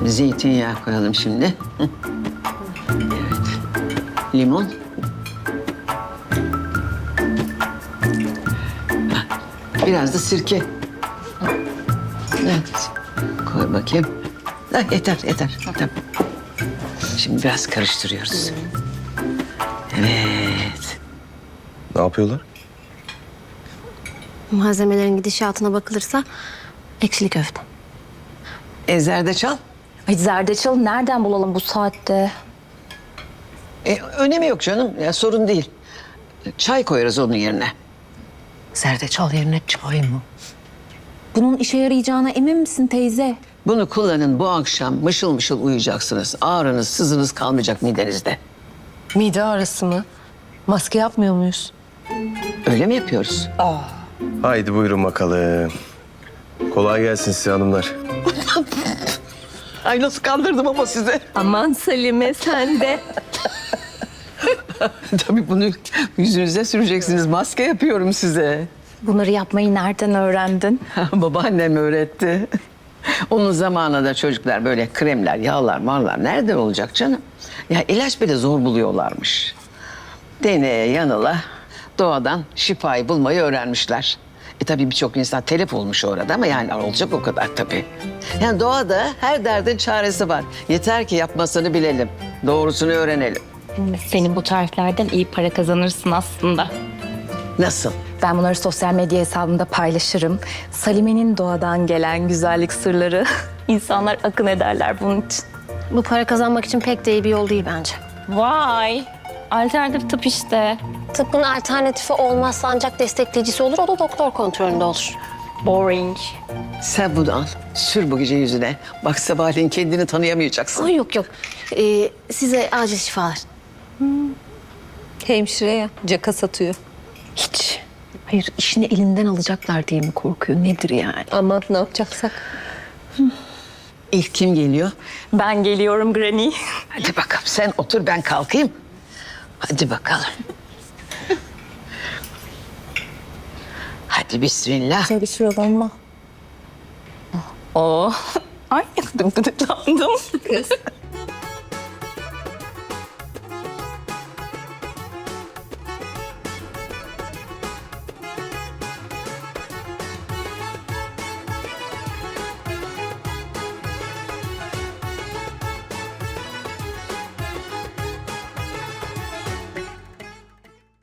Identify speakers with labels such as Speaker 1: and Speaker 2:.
Speaker 1: Şimdi zeytinyağı koyalım şimdi. Hı. Evet. Limon. Biraz da sirke. Evet. Koy bakayım. Yeter. Tamam. Şimdi biraz karıştırıyoruz. Evet.
Speaker 2: Ne yapıyorlar?
Speaker 3: Malzemelerin gidişatına bakılırsa ekşili köfte.
Speaker 1: Zerdeçal.
Speaker 4: Ay zerdeçal nereden bulalım bu saatte?
Speaker 1: Önemi yok canım. Ya, sorun değil. Çay koyarız onun yerine.
Speaker 5: Zerdeçal yerine çay mı?
Speaker 4: Bunun işe yarayacağına emin misin teyze?
Speaker 1: Bunu kullanın, bu akşam mışıl mışıl uyuyacaksınız. Ağrınız, sızınız kalmayacak midenizde.
Speaker 5: Mide ağrısı mı? Maske yapmıyor muyuz?
Speaker 1: Öyle mi yapıyoruz?
Speaker 2: Haydi buyurun bakalım. Kolay gelsin size hanımlar.
Speaker 1: Ay nasıl kandırdım ama size.
Speaker 5: Aman Salime sen de.
Speaker 1: Tabii bunu yüzünüze süreceksiniz. Maske yapıyorum size.
Speaker 4: Bunları yapmayı nereden öğrendin?
Speaker 1: Babaannem öğretti. Onun zamanında çocuklar böyle kremler, yağlar, marlar nereden olacak canım? Ya ilaç bile zor buluyorlarmış. Deneye yanıla doğadan şifayı bulmayı öğrenmişler. Tabii birçok insan telef olmuş orada ama yani olacak o kadar tabii. Yani doğada her derdin çaresi var. Yeter ki yapmasını bilelim. Doğrusunu öğrenelim.
Speaker 4: Senin bu tariflerden iyi para kazanırsın aslında.
Speaker 1: Nasıl?
Speaker 4: Ben bunları sosyal medya hesabımda paylaşırım. Salime'nin doğadan gelen güzellik sırları. İnsanlar akın ederler bunun için.
Speaker 3: Bu para kazanmak için pek de iyi bir yol değil bence.
Speaker 4: Vay! Alternatif tıp işte.
Speaker 3: Tıbbın alternatifi olmazsa ancak destekleyicisi olur. O da doktor kontrolünde olur.
Speaker 4: Boring.
Speaker 1: Sen bunu al. Sür bu gece yüzüne. Bak sabahleyin kendini tanıyamayacaksın.
Speaker 3: Ay yok. Size acil şifalar.
Speaker 5: Hemşire ya, caka satıyor. Hiç. Hayır, işini elinden alacaklar diye mi korkuyor? Nedir yani?
Speaker 6: Aman ne yapacaksak.
Speaker 1: İlk kim geliyor?
Speaker 4: Ben geliyorum Granny.
Speaker 1: Hadi bakalım sen otur ben kalkayım. Hadi bakalım. Hadi bismillah.
Speaker 4: Bir sıralanma. Oo. Ay gıdıklandım. Kız.